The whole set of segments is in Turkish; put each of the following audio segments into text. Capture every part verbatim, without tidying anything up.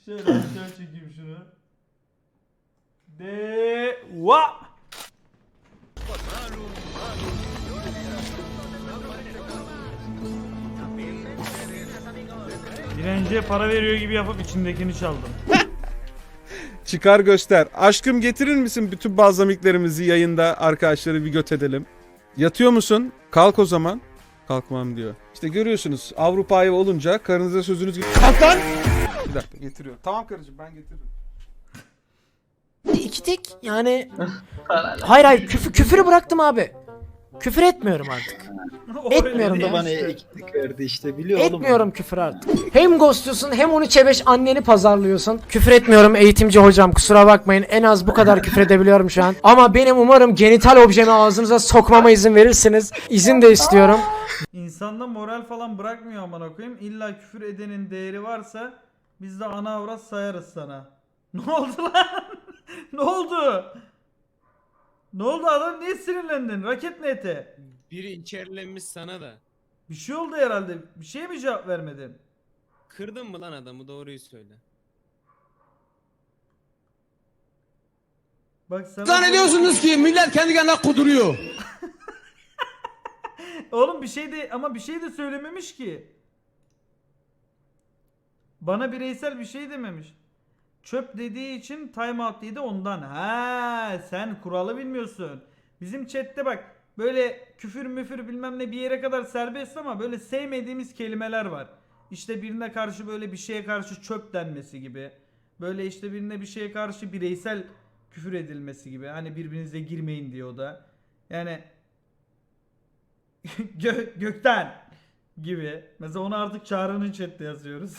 Şöyle aşağı çekeyim şunu. De va. Direnciye para veriyor gibi yapıp içindekini çaldım. Çıkar göster. Aşkım getirir misin bütün balzamiklerimizi yayında arkadaşları bir göt edelim. Yatıyor musun? Kalk o zaman. Kalkmam diyor. İşte görüyorsunuz Avrupa'ya olunca karınıza sözünüz gibi. Kalk lan! Bir dakika getiriyor. Tamam karıcığım ben getiririm. İki tek yani hayır hayır küfür, küfürü bıraktım abi. Küfür etmiyorum artık. Etmiyorum Öyle ya. Bana işte. ekmek verdi işte biliyor oğlum. Etmiyorum küfür artık. Hem ghostluyorsun hem on üçe beş anneni pazarlıyorsun. Küfür etmiyorum eğitimci hocam, kusura bakmayın. En az bu kadar küfür edebiliyorum şu an. Ama benim umarım genital objemi ağzınıza sokmama izin verirsiniz. İzin de istiyorum. İnsanda moral falan bırakmıyor amına koyayım. İlla küfür edenin değeri varsa biz de ana avrat sayarız sana. Ne oldu lan? Ne oldu? Ne oldu adam, niye sinirlendin? Raket nete. Biri içerilenmiş sana da. Bir şey oldu herhalde. Bir şeye mi cevap vermedin? Kırdın mı lan adamı, doğruyu söyle. Bak sana Zannediyorsunuz ki millet kendi kendine kuduruyor. Oğlum bir şey de ama bir şey de söylememiş ki. Bana bireysel bir şey dememiş. Çöp dediği için timeout dedi ondan. Ha, sen kuralı bilmiyorsun. Bizim chatte bak böyle küfür müfür bilmem ne bir yere kadar serbest ama böyle sevmediğimiz kelimeler var. İşte birine karşı böyle bir şeye karşı çöp denmesi gibi. Böyle işte birine bir şeye karşı bireysel küfür edilmesi gibi. Hani birbirinize girmeyin diyor o da. Yani Gö- gökten gibi. Mesela onu artık Çağrı'nın chatte yazıyoruz.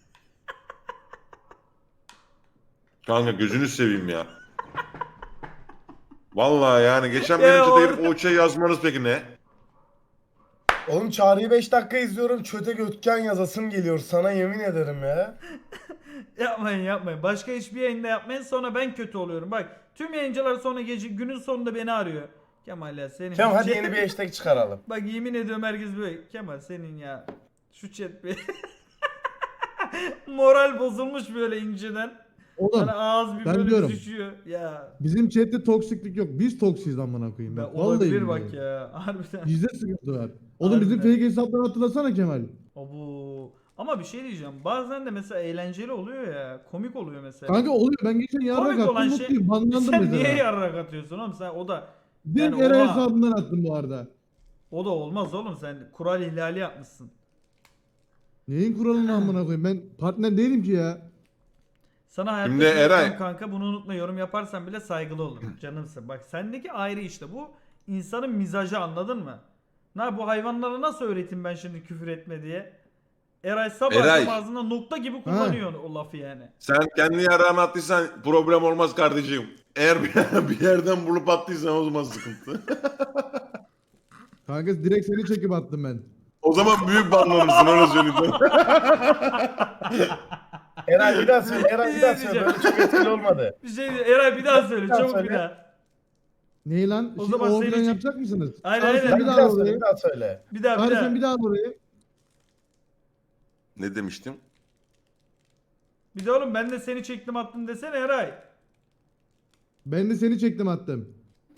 Kanka gözünü seveyim ya. Vallahi yani geçen Ya benim çete orada- girip o şey yazmanız peki ne? Oğlum Çağrı'yı beş dakika izliyorum. Çöte götken yazasım geliyor sana yemin ederim ya. Yapmayın yapmayın. Başka hiçbir yayında yapmayın, sonra ben kötü oluyorum. Bak tüm yayıncılar sonra gece günün sonunda beni arıyor. Kemal ya senin. Tamam hadi yeni bir hashtag çıkaralım. Bak yemin ediyorum herkes böyle. Kemal senin ya. Şu chat bir. Moral bozulmuş böyle inceden. Oğlum Hani ağız bir ben böyle diyorum. düşüyor. Ya. bizim chatte toksiklik yok. Biz toksiyiz amına koyayım. Ben Bak, olabilir vallahi bak billahi. ya. Harbiden. Bizde sıkıntı var. Oğlum bizim Harbiden. fake hesapları hatırlasana Kemal. Abu. Ama bir şey diyeceğim. Bazen de mesela eğlenceli oluyor ya. Komik oluyor mesela. Kanka oluyor, ben geçen yarrak Komik olan attım şey. mutluyum. Banlandım Sen mesela. niye yarrak atıyorsun oğlum? Sen o da Direkt yani Eray oha. hesabından attım bu arada. o da olmaz oğlum. Sen kural ihlali yapmışsın. Neyin kuralını amına koyayım? Ben partner değilim ki ya. Sana hayatta Şimdi söylüyorum Eray- kanka, bunu unutma, yorum yaparsan bile saygılı olur. Canımsın. Bak sendeki ayrı işte bu insanın mizacı, anladın mı? Na bu hayvanlara nasıl öğreteyim ben şimdi küfür etme diye? Eray sabah Eray. akşam ağzında nokta gibi kullanıyor o lafı yani. Sen kendi yarağını attıysan problem olmaz kardeşim. Eğer bir, bir yerden bulup attıysan o zaman sıkıntı. Kanka direkt seni çekip attım ben. O zaman büyük banlanırsın öyle söyleyeyim sana. Eray bir daha söyle. Eray bir daha Bir şey söyle. diyeceğim. Böyle çok etkili olmadı. Bir şey diyor. Eray bir daha söyle, Bir daha çabuk söyle. bir daha. Neyi lan? O O zaman zaman seni çek- yapacak mısınız? Aynen, Çağrı, aynen. sen Bir bir daha daha söyle. orayı. Bir daha söyle. Bir daha bir Çağrı daha. sen bir daha orayı. Ne demiştim? Bir de oğlum ben de seni çektim attım desene Eray. Ben de seni çektim attım.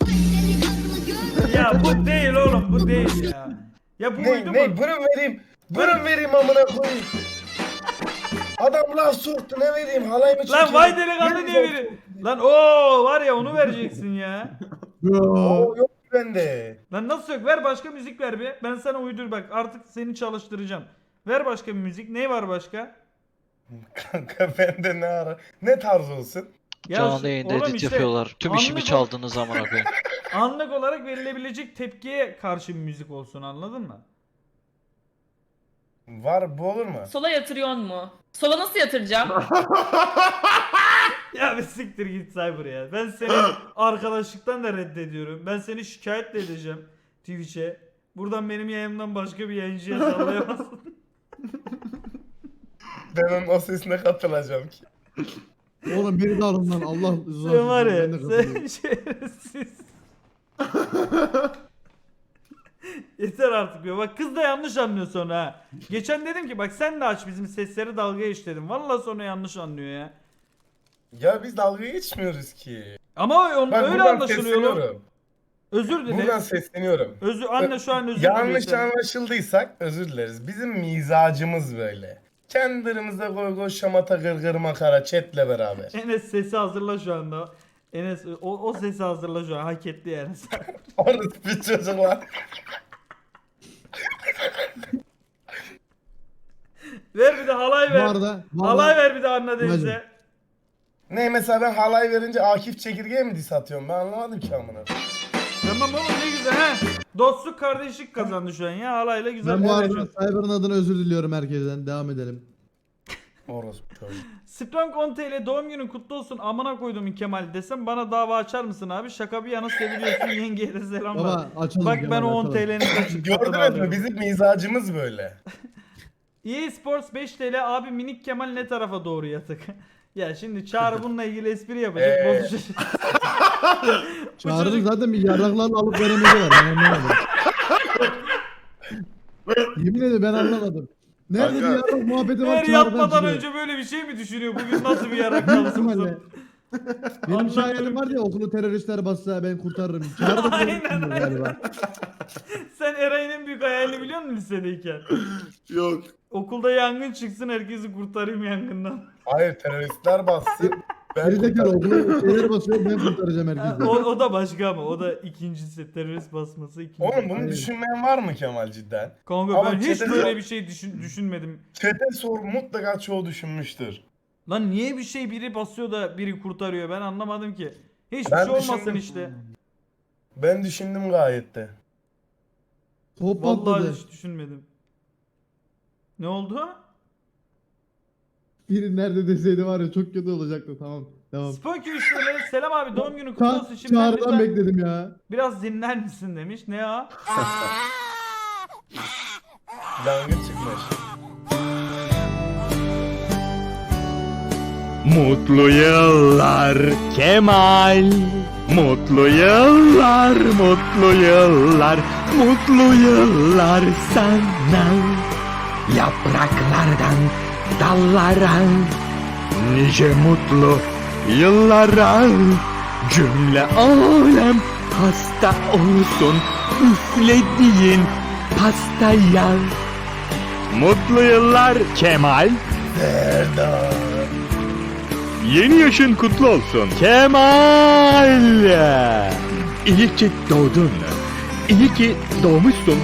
Ya bu değil oğlum, bu değil ya. Ya bu uydu Ne mu? ne bırın vereyim. Bırın vereyim amına koyayım. Adam laf soktu ne vereyim halay mı çekeyim? Lan vay delikanlı Ne diye vereyim? biri. Lan o var ya, onu vereceksin ya. Oo yok bende. Lan nasıl yok? Ver başka müzik ver bir. Ben sana uydur bak, artık seni çalıştıracağım. Ver başka bir müzik. Ne var başka? Kanka bende ne ara? Ne tarz olsun? Ya Canlı şu- yayında oğlum edit işte yapıyorlar. Tüm işimi anlık ol- çaldınız amına koyayım. Anlık olarak verilebilecek tepkiye karşı bir müzik olsun, anladın mı? Var bu olur mu? Sola yatırıyor mu? Sola nasıl yatıracağım? Ya bir siktir git Cyber ya. Ben seni arkadaşlıktan da reddediyorum. Ben seni şikayet de edeceğim Twitch'e. Buradan benim yayımdan başka bir yayıncıya sallayamazsın. Ben onun o sesine katılacağım ki. Oğlum beni de alın lan Allah rızası Sen var için, ben ya, de katılıyorum. sen şerefsiz. Yeter artık ya. Bak kız da yanlış anlıyor sonra ha. Geçen dedim ki bak sen de aç bizim sesleri dalga geç dedim. Vallahi sonra yanlış anlıyor ya. Ya biz dalga geçmiyoruz ki. Ama on, Bak öyle buradan anlaşılıyor oğlum. sesleniyorum. Özür dile. Buradan sesleniyorum. Özür anne şu an özür Yanlış diliyor. anlaşıldıysak özür dileriz. Bizim mizacımız böyle. Kendi aramızda goy goy şamata gırgır makara chatle beraber. Enes sesi hazırla şu anda. Enes o, o sesi hazırla şu an. Hak etti yani. Orası bir çocuklar. Ver bir de halay Bu ver. arada, bu Halay arada ver bir de Anna Deniz'e. Ne mesela ben halay verince Akif Çekirge'ye mi diss atıyorum? Ben anlamadım ki amına. Tamam oğlum ne güzel ha. Dostluk kardeşlik kazandı şu an ya. Halayla güzel. ben bu arada konuşuyoruz. Cyber'ın adına özür diliyorum herkesten. Devam edelim. Orası çocuk. Strong on T L doğum günün kutlu olsun amına koydum Kemal desem bana dava açar mısın abi? Şaka bir yana seviliyorsun yengeye de selam var. Baba açalım. Bak ben Kemal, o on açalım. T L'nin kaçık katını Gördünüz mü? alıyorum. Bizim mizacımız böyle. E A Sports beş T L abi minik Kemal ne tarafa doğru yatık? Ya şimdi Çağrı bununla ilgili espri yapacak. Ee. Bozacak. Bu Çağrı'nın çocuk- zaten bir yarraklarla alıp veremedi var. Ben anlamadım. Yemin ederim ben anlamadım. Nerede Kanka. bir yarrak muhabbeti var Her Çağrı'dan yatmadan çıkıyor. önce böyle bir şey mi düşünüyor? Bugün nasıl bir yarak Büyük kalsın? ihtimalle. Benim Anlamıyorum. şahidim var ya okulu teröristler bassa ben kurtarırım. Çağrı da Aynen, aynen, galiba. Sen Eray'ın en büyük hayalini biliyor musun lisedeyken? Yok. Okulda yangın çıksın herkesi kurtarayım yangından. Hayır teröristler bassın. Ben Gerizekalı kurtarırım. okulu şeyler basıyor ben kurtaracağım Ha, herkesi. o, o da başka ama o da ikincisi terörist basması ikinci. Oğlum bunu Hayır. düşünmeyen var mı Kemal cidden? Kanka Ama ben hiç çete- böyle bir şey düşün, düşünmedim. Çete sor mutlaka çoğu düşünmüştür. Lan niye bir şey biri basıyor da biri kurtarıyor ben anlamadım ki. Hiçbir Ben şey olmasın düşündüm. işte. Ben düşündüm gayet de. Top Vallahi patladı. hiç düşünmedim. Ne oldu? Biri nerede deseydi var ya çok kötü olacaktı tamam. Tamam. Spunky üç T L selam abi doğum günün kutlu Ça olsun şimdi Çağrı'dan lütfen bekledim ya. biraz dinler misin demiş. Ne ya? Langır çıkmış. Mutlu yıllar Kemal. Mutlu yıllar, mutlu yıllar, mutlu yıllar sana. Yapraklardan dallara, nice mutlu yıllara. Cümle alem hasta olsun üflediğin pastaya. Mutlu yıllar Kemal. Serdar. Yeni yaşın kutlu olsun Kemal. İyi ki doğdun. İyi ki doğmuşsun.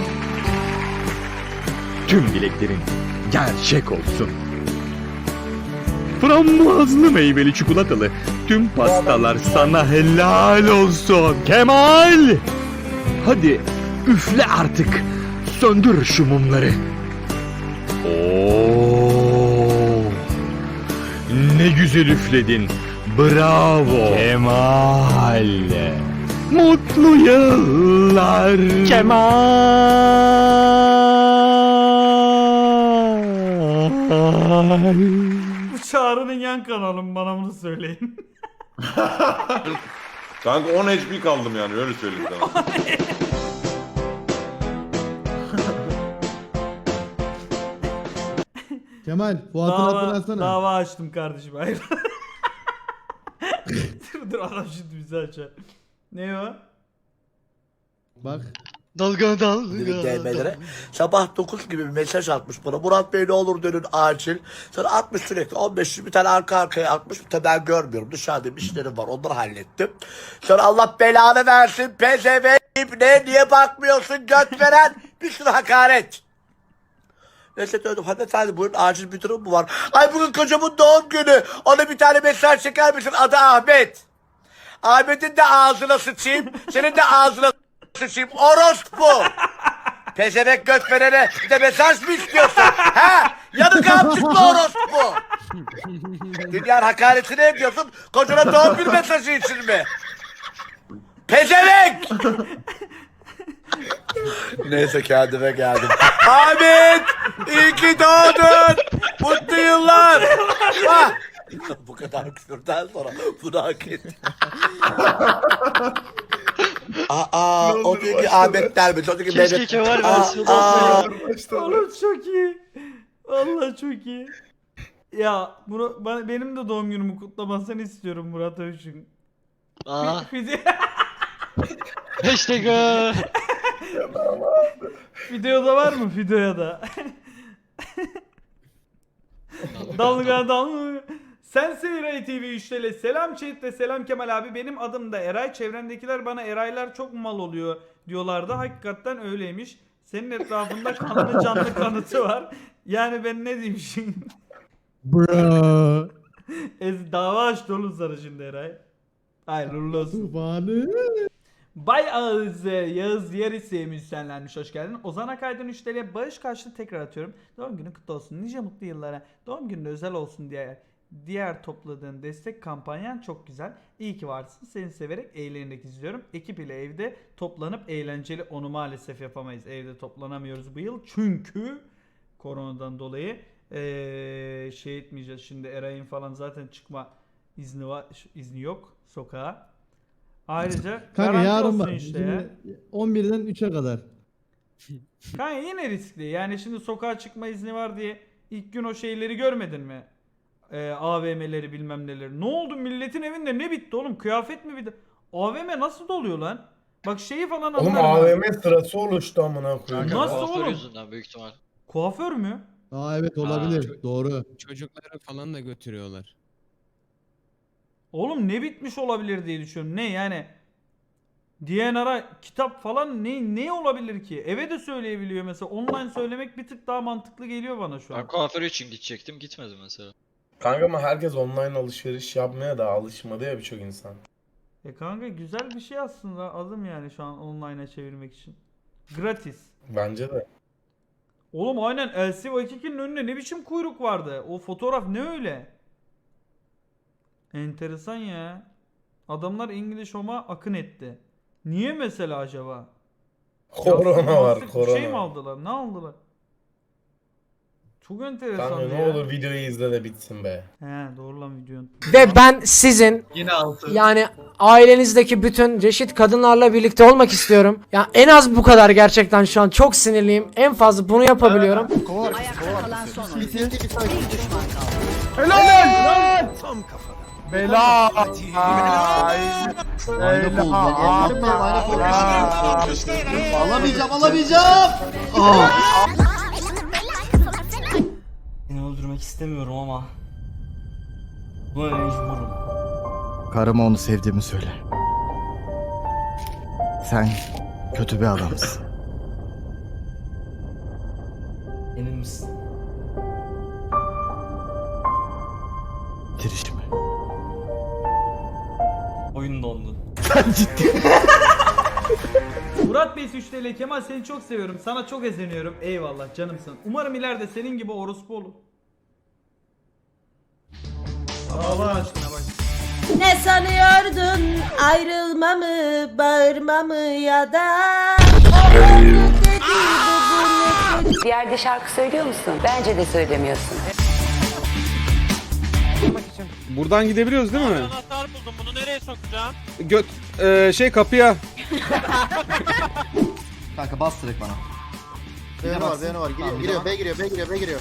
Tüm dileklerin gerçek olsun. Frambuazlı meyveli çikolatalı tüm pastalar sana helal olsun Kemal. Hadi üfle artık. Söndür şu mumları. Oo. Ne güzel üfledin. Bravo. Kemal. Mutlu yıllar. Kemal. Bu Çağrı'nın yan kanalı mı bana bunu söyleyin. Kanka on H P kaldım yani öyle söyleyeyim sana. Kemal Fuat'ın hattını dava, açsana. dava açtım kardeşim hayır. dur dur adam şimdi bizi açar. Ne o? Bak. Dalga dalga. Sabah dokuz gibi bir mesaj atmış bana. Murat Bey ne olur dönün acil. Sonra atmış sürekli on beş bir tane arka arkaya atmış. Bir tane ben görmüyorum. Dışarıda bir işlerim var. Onları hallettim. Sonra Allah belanı versin. P Z V ne niye bakmıyorsun göt veren. Bir sürü hakaret. Neyse döndüm. Hanımefendi buyurun acil bir durum mu var? Ay bugün kocamın doğum günü. Ona bir tane mesaj çeker misin? Adı Ahmet. Ahmet'in de ağzına sıçayım. Senin de ağzına sıçayım. Orospu. Pezevenk göt verene bir de mesaj mı istiyorsun? He? Yanık amcıklı orospu. Dünyanın hakaretini ediyorsun. Kocana doğum günü mesajı için mi? Pezevenk. Neyse kendime geldim. Ahmet! İyi ki doğdun! Mutlu yıllar! Ah! Bu kadar küfürden sonra bunu hak ettim. Aa, o diyor ki Ahmet dermiş. O diyor ki Mehmet. Kemal Aa, versiyonu aa. Oğlum çok iyi. Vallahi çok iyi. Ya bunu bana, benim de doğum günümü kutlamasını istiyorum Murat Övüş'ün. Aa. Video- Hashtag. Videoda var mı? Videoya da. Dalga dalga. Sensin Eray T V üç T L. Selam chat ve selam Kemal abi. Benim adım da Eray. Çevremdekiler bana Eraylar çok mal oluyor diyorlardı. Hakikaten öyleymiş. Senin etrafında kanlı canlı kanıtı var. Yani ben ne diyeyim şimdi? Bro. Ez dava açtı oğlum sana şimdi Eray. Hayırlı olsun. Tufani. Bay Ağız Yağız Yarisi müzisyenlenmiş, hoş geldin. Ozan Akaydın üç T L bağış karşılığı tekrar atıyorum. Doğum günün kutlu olsun. Nice mutlu yıllara. Doğum günün özel olsun diye diğer topladığın destek kampanyan çok güzel. İyi ki varsın. Seni severek eğlenerek izliyorum. Ekip ile evde toplanıp eğlenceli, onu maalesef yapamayız. Evde toplanamıyoruz bu yıl. Çünkü koronadan dolayı ee, şey etmeyeceğiz. Şimdi Eray'ın falan zaten çıkma izni var, izni yok sokağa. Ayrıca Kanka garanti yarın olsun bak. işte ya. Şimdi on birden üçe kadar. Kanka yine riskli. Yani şimdi sokağa çıkma izni var diye ilk gün o şeyleri görmedin mi? Ee, A V M'leri bilmem neleri. Ne oldu milletin evinde ne bitti oğlum? Kıyafet mi bitti? A V M nasıl doluyor lan? Bak şeyi falan Oğlum anlarım. A V ben. M sırası oluştu amına koyayım. Nasıl Kuaför oğlum? yüzünden büyük ihtimal. Kuaför mü? Aa evet olabilir. Doğru. Çocukları falan da götürüyorlar. Oğlum ne bitmiş olabilir diye düşünüyorum. Ne yani? D N R'a kitap falan ne ne olabilir ki? Eve de söyleyebiliyor mesela. Online söylemek bir tık daha mantıklı geliyor bana şu an. Ben kuaför için gidecektim, gitmedim mesela. Kanka ama herkes online alışveriş yapmaya da alışmadı ya birçok insan. E kanka güzel bir şey aslında, adım yani şu an online'a çevirmek için. Gratis. Bence de. Oğlum aynen L C Vakik'in önünde ne biçim kuyruk vardı? O fotoğraf ne öyle? Enteresan ya. Adamlar İngiliz Home'a akın etti. Niye mesela acaba? Korona var, Yastık, korona. Şey mi aldılar? Ne aldılar? Çok enteresan Kanka ya. ne olur videoyu izle de bitsin be. He doğru lan videonun. Ve ben sizin yani ailenizdeki bütün reşit kadınlarla birlikte olmak istiyorum. Ya en az bu kadar gerçekten şu an çok sinirliyim. En fazla bunu yapabiliyorum. Ayakta kalan son oyuncu. Bir düşman kaldı. Bela. Alamayacağım alamayacağım. Seni öldürmek istemiyorum ama buna mecburum. Karıma onu sevdiğimi söyle. Sen kötü bir adamsın. Emin misin? Bitirişimi. Oyun dondu. Murat Bey üç T L Kemal seni çok seviyorum. Sana çok ezeniyorum. Eyvallah canımsın. Umarım ileride senin gibi orospu olur. Allah aşkına bak. Ne sanıyordun ayrılmamı, bağırmamı ya da bir yerde şarkı söylüyor musun? Bence de söylemiyorsun. Buradan gidebiliyoruz değil mi? Anahtar buldum, bunu nereye sokacağım? Göt eee, şey kapıya. Kanka bas direkt bana. B var, B var. Giriyor, giriyor, B giriyor, B giriyor, B giriyor.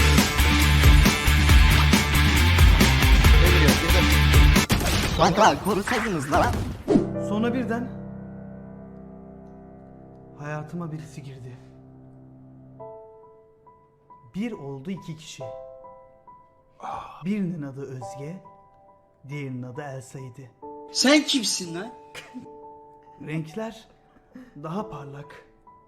B giriyor, girdim. Kanka korusaydınız lan. Sonra birden hayatıma birisi girdi. Bir oldu iki kişi. Birinin adı Özge, diğerinin adı Elsa'ydı. Sen kimsin lan? Renkler daha parlak,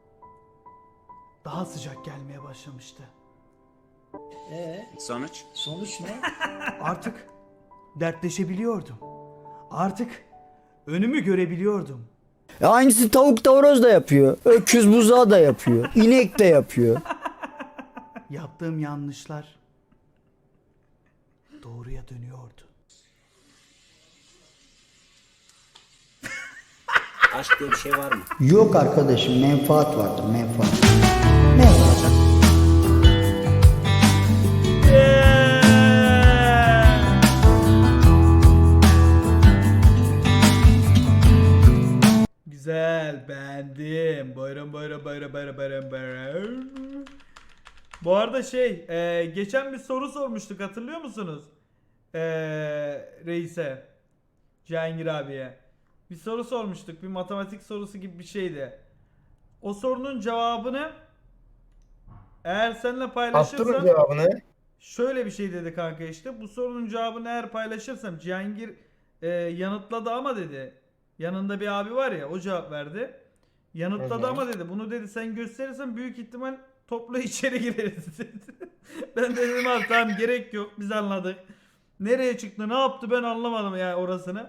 daha sıcak gelmeye başlamıştı. Ee, Sonuç? sonuç ne? Artık dertleşebiliyordum. Artık önümü görebiliyordum. Ya hangisi tavuk da horoz da yapıyor. Öküz buzağı da yapıyor. İnek de yapıyor. Yaptığım yanlışlar doğruya dönüyordu. Aşk diye bir şey var mı? Yok arkadaşım, menfaat vardır, menfaat. Ne olacak? Güzel. bayra bayra bayra bayra bayra. Bu arada şey e, geçen bir soru sormuştuk hatırlıyor musunuz? E, reise. Cihangir abiye. Bir soru sormuştuk. Bir matematik sorusu gibi bir şeydi. O sorunun cevabını eğer seninle Attırın paylaşırsam cevabını. şöyle bir şey dedi kanka işte. Bu sorunun cevabını eğer paylaşırsam Cihangir e, yanıtladı ama dedi. Yanında bir abi var ya o cevap verdi. Yanıtladı Hı hı. ama dedi. Bunu dedi sen gösterirsen büyük ihtimal toplu içeri gireriz dedi. Ben de dedim abi tamam gerek yok biz anladık. Nereye çıktı ne yaptı ben anlamadım yani orasını.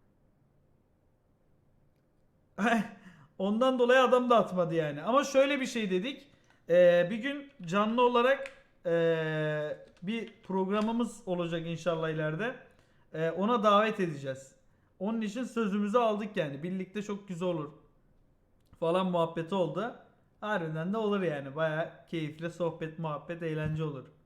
Ondan dolayı adam da atmadı yani. Ama şöyle bir şey dedik. Ee, bir gün canlı olarak ee, bir programımız olacak inşallah ileride. Ee, ona davet edeceğiz. Onun için sözümüzü aldık yani. Birlikte çok güzel olur. Falan muhabbeti oldu. Harbiden de olur yani. Baya keyifli sohbet, muhabbet, eğlence olur.